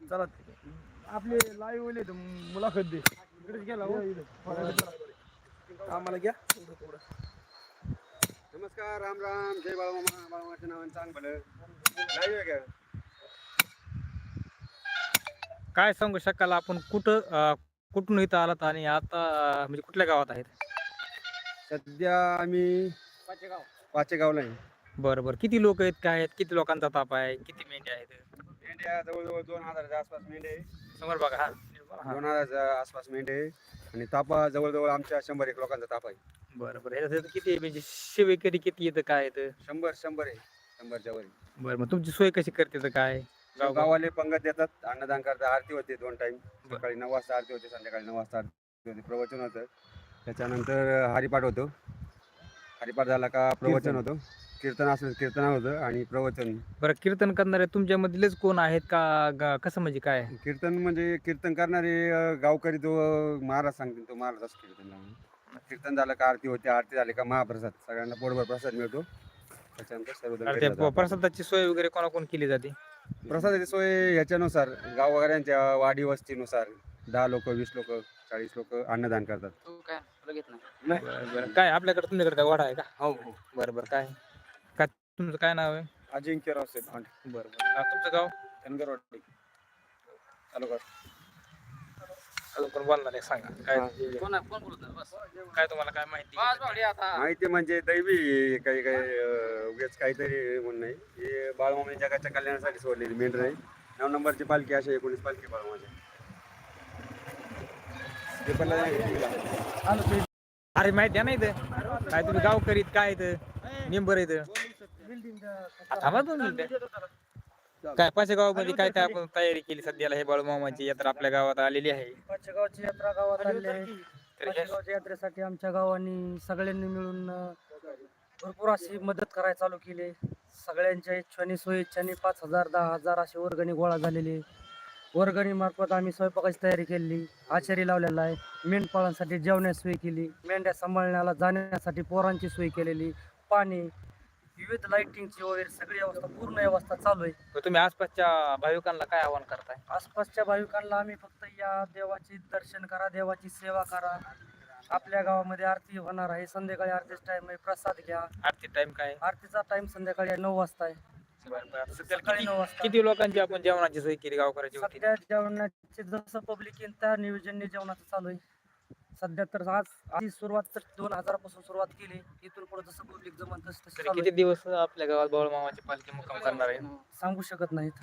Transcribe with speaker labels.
Speaker 1: चला आपले लाईव्ह होईल मुलाखत दे इकडेच गेला आम्हाला घ्या.
Speaker 2: नमस्कार, राम राम, जय बाळमामा. बाळमामाच्या नावाने चांग भलं लाईव्ह आहे का?
Speaker 3: काय सांगू शकाल आपण कुठून इथं आलात आणि आता म्हणजे कुठल्या गावात आहेत?
Speaker 2: सध्या आम्ही पाचेगावला आहे.
Speaker 3: बरं बरं, किती लोक आहेत, काय आहेत, किती लोकांचा ताप आहे, किती मेंढ्या आहेत?
Speaker 2: मेंढ्या जवळजवळ 2000च्या आसपास मेंढे आहे.
Speaker 3: समोर बघा. हा
Speaker 2: 2000च्या आसपास मेंढे आहे. आणि तापा जवळजवळ आमच्या 100-1 लोकांचा ताप आहे.
Speaker 3: बरं बरं, ह्याच्यात किती म्हणजे सेवेकरी किती येतं, काय येतं?
Speaker 2: 100 आहे, 100च्या वर.
Speaker 3: बरं, मग तुमची सोय कशी करते तर काय?
Speaker 2: गावाले पंगत देतात, अन्नदान करतात, आरती होते 2 टाइम. सकाळी 9 वाजता आरती होते, संध्याकाळी 9 वाजता आरती होते, प्रवचन होतं. त्याच्यानंतर हरिपाठ होतो. हरिपाठ झाला का प्रवचन होतं, कीर्तन असेल कीर्तन होतं आणि प्रवचन.
Speaker 3: बरं, कीर्तन करणारे तुमच्यामधलेच कोण आहेत का कसं म्हणजे काय?
Speaker 2: कीर्तन म्हणजे कीर्तन करणारे गावकरी, जो महाराज सांगतील तो महाराज असतो कीर्तन लावून. कीर्तन झालं का आरती होते, आरती झाली का महाप्रसाद, सगळ्यांना पोटभर प्रसाद मिळतो. त्याच्यानंतर सर्वजण घरी जातात.
Speaker 3: प्रसादाची सोय वगैरे कोणाकोण केली जाते?
Speaker 2: प्रसादाची सोय ह्याच्यानुसार गावकऱ्यांच्या वाडी वस्तीनुसार 10 लोक, 20 लोक, 40 लोक अन्नदान करतात.
Speaker 3: बरं बरं, काय आपल्याकडे तुमच्याकडे काय वाडा आहे का?
Speaker 2: हो हो.
Speaker 3: बरं बरं, काय काय तुमचं काय नाव आहे?
Speaker 2: अजिंक्यराव सेफांड,
Speaker 3: बरं बरं, तुमचं गाव?
Speaker 2: धनगरवाडी तालुका.
Speaker 3: अजून कोण बोलणार आहे सांगा, काय काय तुम्हाला काय माहिती?
Speaker 2: माहिती म्हणजे दैवी काही काही उगाच काहीतरी म्हणून नाही. हे बाळमामाने जगाच्या कल्याणासाठी सोडलेली मेंढर आहे. 9 नंबरची पालखी, अशी 19 पालखी बाळमामाची.
Speaker 3: अरे माहिती आहे ना इथं काय तुम्ही गाव करीत काय इथं मेंबर इथं थांबा तुम्ही काय पाचेगावमध्ये काय काय आपण तयारी केली सध्याला? हे बाळूमामाची यात्रा आपल्या गावात आलेली आहे.
Speaker 1: पाचगावची यात्रा गावात आली आहे. पाचगावच्या यात्रेसाठी आमच्या गावांनी सगळ्यांनी मिळून भरपूर अशी मदत करायला चालू केली. सगळ्यांच्या इच्छाने स्वइच्छाने 5000 10,000 अशी वर्गणी गोळा झालेली आहे. वर्गणी मार्फत आम्ही स्वयंपाकाची तयारी केली, आचारी लावलेला आहे, मेंढपाळांसाठी जेवण्याची सोय केली, मेंढ्या सांभाळण्याला जाण्यासाठी पोरांची सोय केलेली, पाणी, विविध लाइटिंगची वगैरे सगळी व्यवस्था, पूर्ण व्यवस्था चालू आहे.
Speaker 3: तर तुम्ही आसपासच्या भाविकांना काय आवाहन करताय?
Speaker 1: आसपासच्या भाविकांना आम्ही फक्त या देवाचे दर्शन करा, देवाची सेवा करा. आपल्या गावामध्ये आरती होणार आहे, संध्याकाळी आरतीचा टाइम आहे, प्रसाद घ्या.
Speaker 3: आरती टाइम काय?
Speaker 1: आरतीचा टाइम संध्याकाळी 9 वाजता आहे. सकाळी 9 वाजता.
Speaker 3: किती लोकांची आपण जेवणाची सोय केली गावकऱ्याची वतीने?
Speaker 1: सध्या जेवणाचे जसं पब्लिक येईल त्या नियोजन जेवणाचं चालू आहे. सध्या तर आज सुरुवात तर 2000 पासून सुरुवात केली. इथून पुढे जसं पब्लिक जमन तसं
Speaker 3: तरी
Speaker 1: चालू
Speaker 3: किती
Speaker 1: आहे.
Speaker 3: दिवस आपल्या गावात बाळूमामाची पालखी मुक्काम करणार आहे?
Speaker 1: सांगू शकत नाहीत.